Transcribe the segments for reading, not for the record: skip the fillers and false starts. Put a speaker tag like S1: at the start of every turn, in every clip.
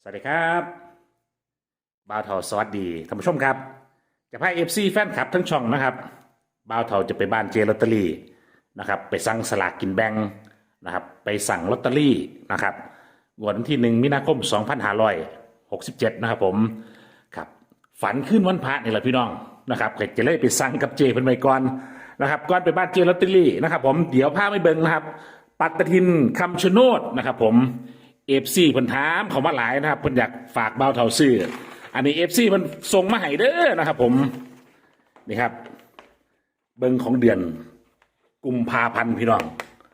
S1: สวัสดีครับบ่าวเทาสวัสดีท่านผู้ชมครับจะพาFCแฟนคลับทั้งช่องนะครับบ่าวเทาจะไปบ้านเจลอตเตอรี่นะครับไปสั่งสลากกินแบ่งนะครับไปสั่งลอตเตอรี่นะครับวันที่1 มีนาคม 2567นะครับผมครับฝันขึ้นวันพระนี่แหละพี่น้องนะครับก็จะเลยไปสั่งกับเจเพิ่นไปก่อนนะครับก่อนไปบ้านเจลอตเตอรี่นะครับผมเดี๋ยวพาไปเบิ่งนะครับปัตตทินคำชะโนดนะครับผมFCเพิ่นถามเขามาหลายนะครับเพิ่นอยากฝากบ่าวเฒ่าซื้ออันนี้FCเพิ่นส่งมาให้เด้อนะครับผมนี่ครับเบิ่งของเดือนกุมภาพันธ์พี่น้อง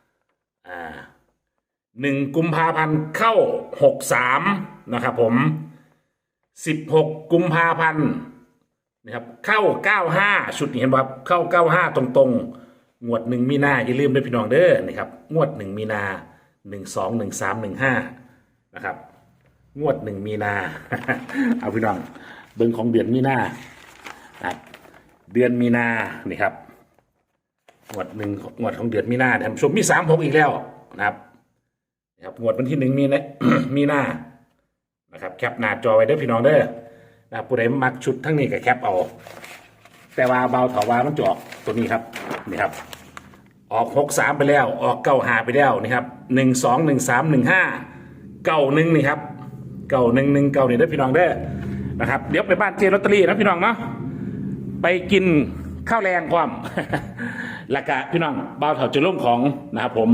S1: 1 กุมภาพันธ์เข้า63นะครับผม16 กุมภาพันธ์นะครับเข้า95ชุดนี้เห็นบ่ครับเข้า95ตรงๆงวด1 มีนาอย่าลืมด้วยพี่น้องเด้อนี่ครับงวด1 มีนา12 13 15นะครับงวด1 มีนา เอาพี่น้องเบิ่งของเดือนมีนาครับเดือนมีนานี่ครับงวดของเดือนมีนาท่านผู้ชมมี36อีกแล้วนะครับนะครับงวดวันที่1 มีนา มีนานะครับแคปหน้าจอไว้เด้อพี่น้องเด้อนะครับผู้ใดมักชุดทั้งนี้ก็แคปเอาแต่ว่าเบาเถาว่ามันจะออกตัวนี้ครับนี่ครับออก63ไปแล้วออก95ไปแล้วนี่ครับ12 13 15 91นี่ครับ91 19นี่เด้อพี่น้องเด้อนะครับเดี๋ยวไปบ้านเจลอตเตอรี่นะพี่น้องเนาะไปกินข้าวแรงความ แล้วก็พี่น้องเบาเถาจะลงของนะครับผม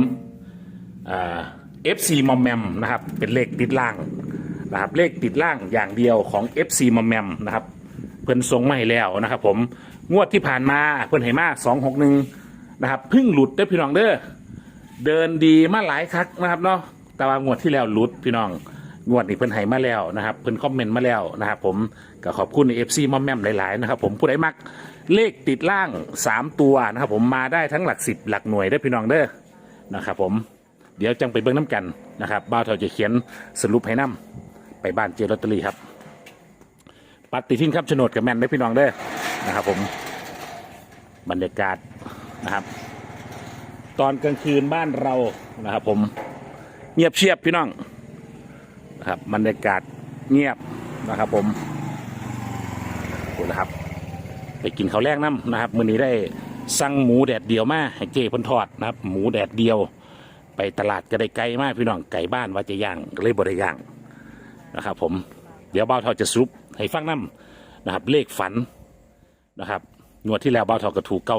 S1: FC มอมแมมนะครับเป็นเลขติดล่างนะครับเลขติดล่างอย่างเดียวของ FC มอมแมมนะครับเพิ่นส่งมาให้แล้วนะครับผมงวดที่ผ่านมาเพิ่นให้มา261นะครับเพิ่งหลุดได้พี่น้องเด้อเดินดีมาหลายครั้งนะครับเนาะแต่ว่างวดที่แล้วหลุดพี่น้องงวดนี้เพิ่นให้มาแล้วนะครับเพิ่นคอมเมนต์มาแล้วนะครับผมก็ขอบคุณ FC มอมแมมหลายๆนะครับผมผู้ใดมักเลขติดล่าง3ตัวนะครับผมมาได้ทั้งหลัก10หลักหน่วยได้พี่น้องเด้อนะครับผมเดี๋ยวจังไปเบิ่งน้ำกันนะครับบ่าวเฒ่าจะเขียนสรุปให้นํไปบ้านเจลอตเตอรี่ครับปฏิทินครับโฉนดกับแมนได้พี่น้องเด้อนะครับผมบรรยากาศนะครับตอนกลางคืนบ้านเรานะครับผมเงียบเชียบพี่น้องนะครับบรรยากาศเงียบนะครับผมดูนะครับไปกินข้าวแรกน้ำนะครับมื้อนี้ได้สั่งหมูแดดเดียวมาให้เจเพิ่นทอดนะครับหมูแดดเดียวไปตลาดก็ได้ไกลมากพี่น้องไก่บ้านว่าจะย่างก็เลยบ่ได้ย่างนะครับผมเดี๋ยวบ่าวเฒ่าจะสรุปให้ฟังน้ำนะครับเลขฝันนะครับงวดที่แล้วบ่าวเฒ่าก็ถูก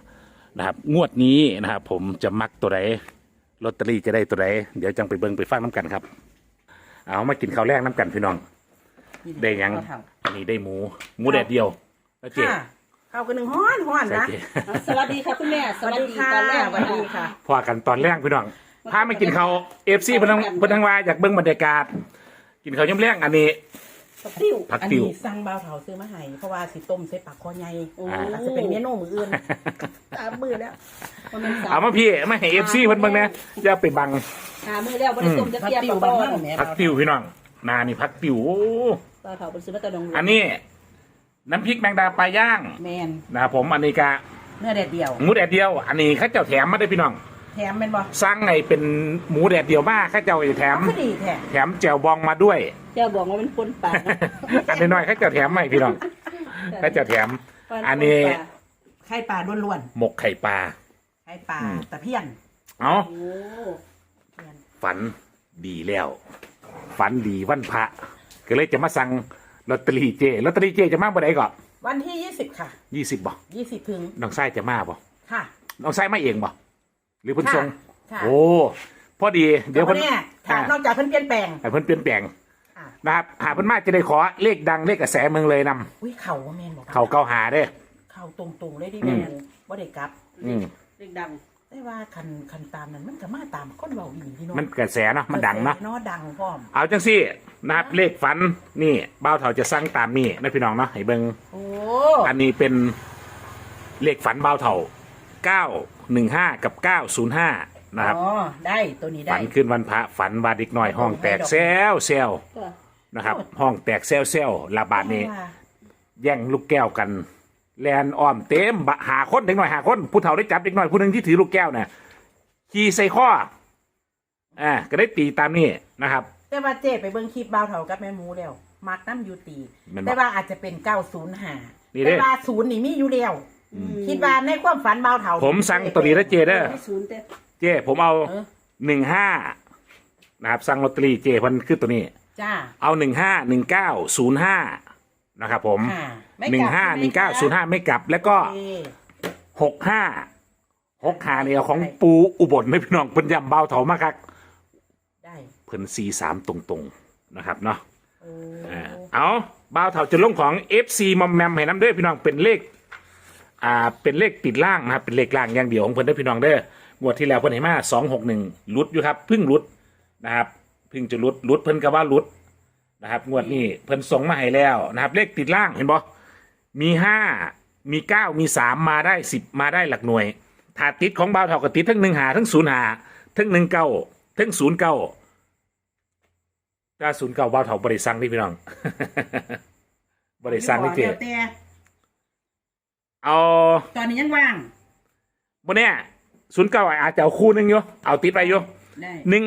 S1: 95นะครับงวดนี้นะครับผมจะมักตัวใดลอตเตอรี่จะได้ตัวใดเดี๋ยวจังไปเบิ่งไปฟังน้ำกันครับเอามากินข้าวแรกน้ำกันพี่น้องได้ยังอันนี้ได้หมูแดดเดียวแล้วเจ๊
S2: ข้าวกันหนึ่งห้อนนะ
S3: สวัสดีค่ะคุณแม่สวัสดีตอนแรก
S2: สวัสดีค่ะ
S1: พอกันตอนแรกพี่น้องพาไม่กินข้าวFCเพิ่นทั้งว่าอยากเบิ่งบรรยากาศกินข้าวย่ำแรงอันนี้
S3: ติ้ว
S1: ผัก
S2: อัน
S1: ติ๋ว
S2: นี้สั่งเบาเถาซื้อมาให้เพราะว่าสิต้มใส่ปากคอใหญ่อาจจะเป็นเมนูมืออื่นตามมือแล้ว
S1: เอามาพี่มาให้FCเพิ่นเบิ่งนะอย่าไปบัง
S3: หามือแล้วบริสุทธิ์จะ
S2: ผัก
S3: เทียบ
S2: ติ๋ว
S3: กับ
S2: บ้าน
S3: บ้าน
S2: แม่
S1: ผักติ๋วพี่น้องนานี่ผักติ๋วโอ้
S3: ปลาเผาเป็นซื้อมาตะดง
S1: อันนี้น้ำพริกแมงดาปลาย่าง
S2: แมน
S1: นะครับผมอันนี้กะ
S2: เนื้อแดดเดียว
S1: หมูแดดเดียวอันนี้ข้าเจ้าแถมมาได้พี่น้อง
S2: แถมเป็นบ่
S1: สร้างไงเป็นหมูแดดเดียวมากข้าเจ้าจะแถม
S2: ก็ดีแท้
S1: แถมแจ่วบองมาด้วย
S3: เจ้าบอกว่ามันคนป่า
S1: อันน้อยๆข้าเจ้าแถมให้พี่น้องข้าเจ้าแถม อันนี้
S2: ไข่ปลาล้วน
S1: หมกไข่ปลา
S2: ๆไข่ปลาตะเพียน
S1: เอา
S3: โอ้
S1: ฝันดีแล้ว ฝันดีวันพระก็เลยจะมาสั่งลอตเตอรี่เจลอตเตอรี่เจจะมาบ่ได้ก่อน
S2: วันที่20ค่ะ
S1: 20บ่
S2: 20ถึง
S1: น้องไส้จะมาบ่
S2: ค่ะ
S1: น้องไส้มาเองบ่หรือเพิ่นส่ง
S2: ค่ะ
S1: โอ้พอดีเดี๋ยว
S2: เพิ่
S1: เพิ่
S2: น
S1: น
S2: เนี่ยถ้านอกจากเพิ่นเปลี่ยนแปลง
S1: ให้เพิ่นเปลี่ยนแปลง
S2: อ่ะ
S1: นะครับหาเพิ่นมาจะได้ขอเลขดังเลขกระแสเมืองเลยนำ
S2: อุ้ยเข่าว่าแมนบอก
S1: เขาเก้าหาเด้อ
S2: เข่าตรงๆเลยดิแมนบ่ได้กลับ
S1: อืม
S3: เด็กดัง
S2: ได้ว่าคันตามนั้นมันก็มาตามคนเบาอีพี่น้อง
S1: มันกระแสเนาะมันดังเนาะ
S2: เนาะดังพร้อม
S1: เอาจังซี่นะครับเลขฝันนี่เบ้าเถาจะสั่งตามนี่นะพี่น้องเนาะให้เบิ่ง
S2: โอ้
S1: อันนี้เป็นเลขฝันเบ้าเถา915กับ905นะครับ
S2: อ๋อได้ตัวนี้ได้
S1: ฝันขึ้นวันพระฝันว่าเด็กน้อยห้องแตกแซวแซว
S3: ก็
S1: นะครับห้องแตกแซวแซวระบาดนี้แย่งลูกแก้วกันแลนอ้อมเต็มหาคนเด็กน้อยหาคนผู้เฒ่าได้จับเด็กน้อยผู้หนึงที่ถือลูกแก้วเนี่ยขี่ใส่ข้อก็ได้ตีตามนี่นะครับ
S2: แต่ว่าเจ๊ไปเบิ่งคลิปบ่าวเฒ่ากับแม่หมูแล้วมักน้ำยูตี
S1: แม่นบ่
S2: แต่ว่าอาจจะเป็น905
S1: นี่เด้
S2: แต่ว่า0นี่มีอยู่แล้วคิดว่าในความฝันบ่าวเฒ่า
S1: ผมสั่งตัวนี้แล้วเจเด้อ
S3: ไม่ศูนย์แต่
S1: เจผมเอา
S2: เออ
S1: 15นะครับสั่งลอตเตอรี่เจเพิ่นคือตัวนี้
S2: จ้า
S1: เอา151905นะครับผม
S2: ค่ะไม่กลับ
S1: 151905ไม่กลับแล้วก็
S2: โอเค
S1: 65เนี่ยของปูอุบลไม่พี่น้องเพิ่นย้ำเบาเถามาคัก
S2: ได้
S1: เพิ่น43ตรงๆนะครับเนาะ
S2: โอ้
S1: เอาเบาเถาจะลงของ FC มอมแมมให้น้ำเด้อพี่น้องเป็นเลขเป็นเลขติดล่างนะครับเป็นเลขล่างอย่างเดียวของเพิ่นเด้อพี่น้องเด้องวดที่แล้วเพิ่นให้มา261ลุดอยู่ครับเพิ่งลุดนะครับเพิ่งจะลุดเพิ่นก็ว่าลุดนะครับงวดนี้เพิ่นส่งมาให้แล้วนะครับเลขติดล่างเห็นบ่มี5มี9มี3มาได้10มาได้หลักหน่วยถ้าติดของเบาเถาก็ติดทั้ง1หาทั้ง0หาทั้ง19ทั้ง09ถ้า09เบาเถาบ่ได้สั่งนี่พี่น้อง บ่ได้สั่งนี่เจ
S2: แล้วแต่
S1: เอา
S2: ตอนนี้ยังว่าง
S1: บนเนี้ย09อาจจะเอาคู่หนึงอยู่เอาติดไปอยู่
S2: ได้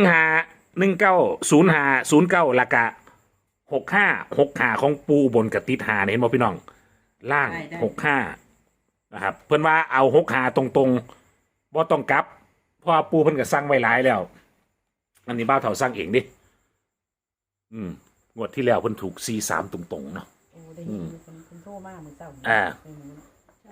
S1: 15190509ละกะ65ของปูบนกับติดหาเนี่ยเห็นบ่พี่น้อง ล่าง65นะครับเพิ่นว่าเอา65ตรงๆบ่ต้องกลับเพราะว่าปูเพิ่นก็สั่งไว้หลายแล้ว อันนี้บ้าวเฒ่าสั่งเองดิงวดที่แล้วเพิ่นถูก43ตรงๆเนาะ
S2: โอ้ได้ยินอยู่คนโทรมามื้อเช้า
S1: อ่า
S2: แม่หมูเนาะ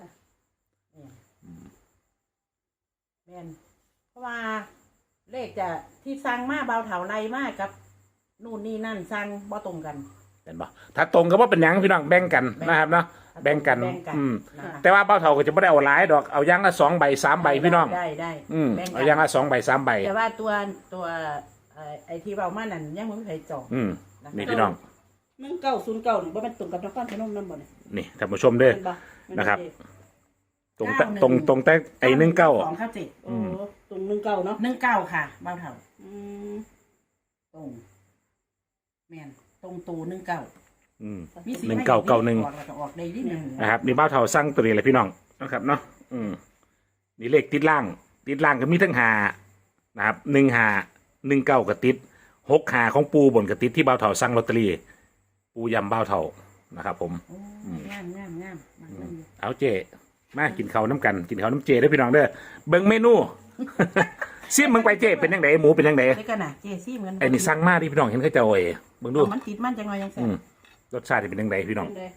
S2: แม่นเพราะว่าเลขจะที่สั่งมาเบาเถาไรมากกับนู่นนี่นั่นสั่งบ่ตรงกัน
S1: เห็นบ่ถ้าตรงก็บ่เป็นหยังพี่น้องแบ่งกันนะครับเนาะแบ่งกัน
S2: นะคะ
S1: แต่ว่าเบ้าเฒ่าก็จะไม่ได้เอาหลายดอกเอาอย่างละ2 ใบ 3 ใบพี่น้อง
S2: ได้
S1: แเอา
S2: แบ่งกัน
S1: อย่างละ2 ใบ 3 ใบ
S2: แต่ว่าตัวไอ้ที่เบามานั่นยังมึงเคยจอง
S1: นี่พี่น้อง
S3: 1909นี่บ่แม่นตรงกับนครพนมนำบ่เนี่ย
S1: นี่ท่านผู้ชมเด้อ
S3: เห็นบ่แม่
S1: นะครับ
S3: เจ๊
S1: ตรงแต่ไอ้19
S2: 2เข้า7
S3: โอ้ตรง19เนาะ
S2: 19ค่ะเบาเถา
S3: อืม
S2: ตรงแม่นตรงตู19มีสิ
S1: 1991
S2: ออกแล้วก็ออกได้นิดนึง
S1: นะครับนี่เบ้าเฒ่าสั่งตัวนี้เลยพี่น้องนะครับเนาะนี่เลขติดล่างก็มีทั้งหานะครับ1 หา19ก็ติด6 หาของปูบนก็ติดที่เบ้าเฒ่าสั่งลอตเตอรี่ปูยำเบ้าเฒ่านะครับผม
S2: โอ้งามมากเลย
S1: เอาเจมากินข้าวน้ำกันกินข้าวน้ำเจได้อพี่น้องเด้อเบิ่งเมนู ซิมมึงไปเจเป็นยังไงหมูเป็นยังไง
S2: ได้กันนะเจซี่เหมือน
S1: ไอ้นี่สั่งมาดิพี่น้องเห็นเขาเจ้าเบิ่งดู
S2: มันติดมันจังเลยยังแซ่บ
S1: รสชาติเป็นยังไงพี่น้อง
S3: เป็นไง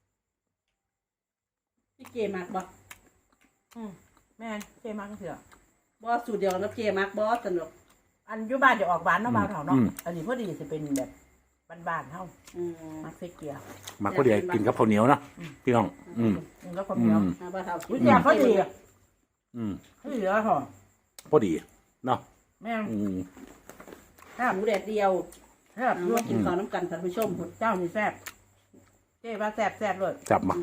S3: พี่เจมักบ่
S2: แม่เจมากเถอะ
S3: บ่สูตรเดียวกับเจมักบ่สนุก
S2: อันอยู่บ้านจะออกหวานเนาะบ่าวเถาเนาะอันนี้พอดีจะเป็นแบบบ้านๆเท่า
S3: อืม
S2: มักเซ็กเกียร์
S1: มักก็เดี๋ยวกินกับข้าวเหนียวเนาะพี่น้อง
S2: แล้วความเหนียว
S3: บ่เท่า
S2: วิจารเขาดี เขาดีแล้วเหรอ
S1: พอดีเนาะ
S2: แม่
S3: หมูแดดเดียว
S2: แซ่บ
S3: เอามากินข้าวน้ำกันท่านผู้ชม
S2: เจ้านี่แซ่บเจ๊ว่าแซ่บเลย
S1: จับมา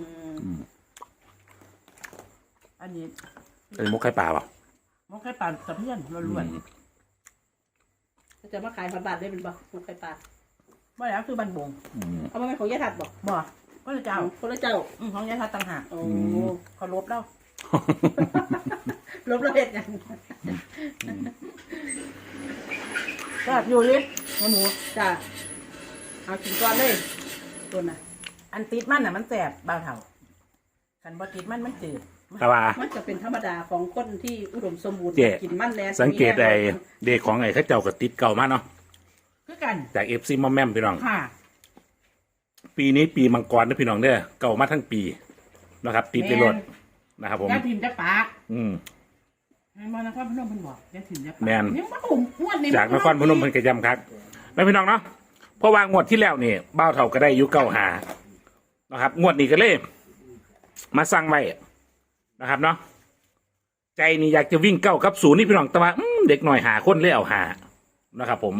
S2: อันนี้
S1: ไอ้มุกไข่ปลาเปล่า
S2: มันแค่ปั่นกับเพื่อนล้วน
S3: จะมาขายพันบาทได้เป็นบ่หมูไข่ปลา
S2: ๆว่าแล้วคือบันบง
S3: เอามาเป็นของยายถัดบ่
S2: บ่ก็เลยเจ้า
S3: คนละเจ้า
S2: ของยายทัดต่างหาก
S3: โอ้
S2: เขาลบแล้ว
S3: ลบแล้วเฮ็ดหยัง
S2: แซ่บอยู่ลิหมู
S3: จ้าเอากินก่อนเลยตัวน่ะ
S2: อันติดมันน่ะมันแซ่บบ่าวเถากันบ่ติดมันจืด
S1: แต่ว่า
S3: มันจะเป็นธรรมดาของคนที่อุดมสมบูรณ์
S1: เจ๊
S3: กินมันแล้ว
S1: สังเกตไอ้เด็กของไอ้เข้าเจ้ากับติดเก่ามากเนาะ
S2: คือกัน
S1: จากเอฟซีมอมแมมพี่น้อง
S2: ค่ะ
S1: ปีนี้ปีมังกรนะพี่น้องเด้อเก่ามาทั้งปีนะครับ ติดไปรถนะครับผม
S2: ยาถิ่นจะปาก
S1: อืม
S2: มานครพนมเพิ่นบอกยาถิ่นจะปาก
S1: แม่น
S2: ยังบ่หุ่มอ้วนนี่
S1: จากนครพนมเพิ่นกระยำครับแล้วพี่น้องเนาะเพราะว่างวดที่แล้วนี่บ้าวเท่าก็ได้อยุเก้าหานะครับ งวดนี้ก็เลยมาสั่งไว้นะครับเนาะใจนี่อยากจะวิ่งเก้ากับศูนย์นี่พี่น้องแต่ว่าเด็กหน่อยหาคนเลยเอาหานะครับ ผม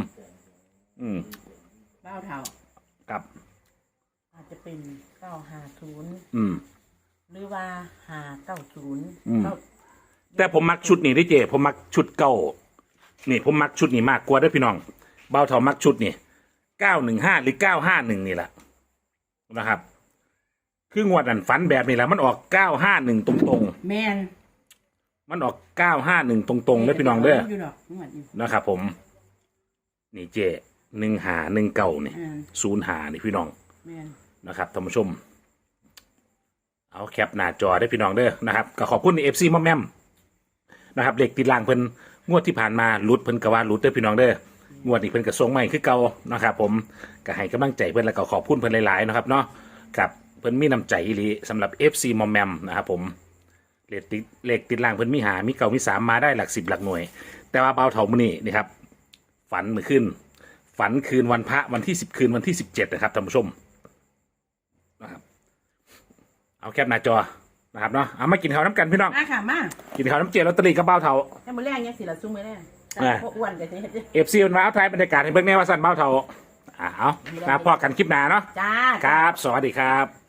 S2: บ่าวเถา
S1: กับ
S2: อาจจะเป็น950
S1: อืม
S2: หรือว่า590
S1: อืม แต่ผมมักชุดนี้ได้เจผมมักชุดเก่านี่ผมมักชุดนี้มากกว่าเด้วยพี่น้องเบาเท่ามักชุดนี่915หรือ951นี่แหละนะครับ คืองวดนั้นฝันแบบนี้แหละมันออก951ตรง
S2: แม่น
S1: ๆมันออก951ตรงๆเด้อพี่น้องเด้อ
S2: อยู่ดอกงวดนี้
S1: นะครับ ผม นี่เจ 1519นี่
S2: อ่า
S1: 05นี่พี่น้อง
S2: แม่น
S1: นะครับท่านผู้ชมเอาแคปหน้าจอได้พี่น้องเด้อนะครับก็ขอบคุณ FC มอมแมมนะครับเลขติดล่างเพิ่นงวดที่ผ่านมาหลุดเพิ่นก็ว่าหลุดเด้อพี่น้องเด้องวดนี้เพิ่นก็ส่งใหม่คือเก่านะครับผมก็ให้กำลังใจเพิ่นแล้วก็ขอบคุณเพิ่นหลายๆนะครับเนาะกับเพิ่นมีน้ำใจอีหลีสำหรับ FC มอมแมมนะครับผมเลขติดล่างเพิ่นมีหามีเก่ามี3มาได้หลัก10หลักหน่วย แต่ว่าเบาเถามื้อนี้นี่ครับฝันเมื่อคืนฝันคืนวันพระวันที่10คืนวันที่17นะครับท่านผู้ชมนะครับเอาแคปหน้าจอนะครับเนาะเอามากินข้าวน้ำกันพี่น้อง
S2: มาค่ะมา
S1: กินข้าวน้ำเจียวลอตเตอรี่กับเบาเถา
S2: ให้มื้อแรกยังสิละซุ่มมื้อแรก
S1: อ่า
S2: พวกอ้วนก็สิเฮ็ดจัง
S1: FC มันมาเอาถ่ายบรรยากาศให้เบิ่งแน่ว่าสั่นเบาเถาเอานะพอกันคลิปหน้าเนาะ
S2: จ้า
S1: ครับ สวัสดีครับ